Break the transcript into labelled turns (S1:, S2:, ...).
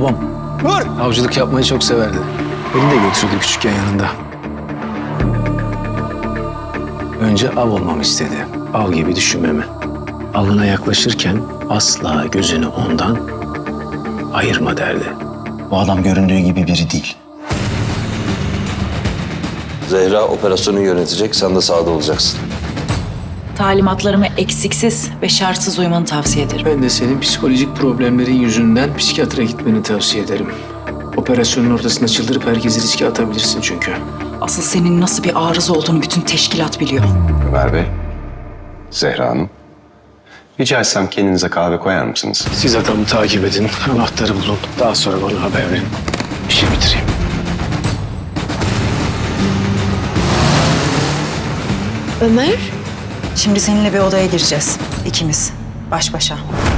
S1: Babam
S2: Dur!
S1: avcılık yapmayı çok severdi. Beni de götürdü küçükken yanında. Önce av olmamı istedi. Av gibi düşünmemi. Avına yaklaşırken asla gözünü ondan ayırma derdi.
S3: Bu adam göründüğü gibi biri değil.
S4: Zehra operasyonu yönetecek, sen de sahada olacaksın.
S5: Talimatlarımı eksiksiz ve şartsız uymanı tavsiye ederim.
S1: Ben de senin psikolojik problemlerin yüzünden psikiyatra gitmeni tavsiye ederim. Operasyonun ortasında çıldırıp herkesi riske atabilirsin çünkü.
S5: Asıl senin nasıl bir arıza olduğunu bütün teşkilat biliyor.
S6: Ömer Bey, Zehra Hanım. Rica etsem kendinize kahve koyar mısınız?
S1: Siz adamı takip edin, anahtarı bulun. Daha sonra bana haber verin. İşi bitireyim.
S7: Ömer?
S5: Şimdi seninle bir odaya gireceğiz. İkimiz. Baş başa.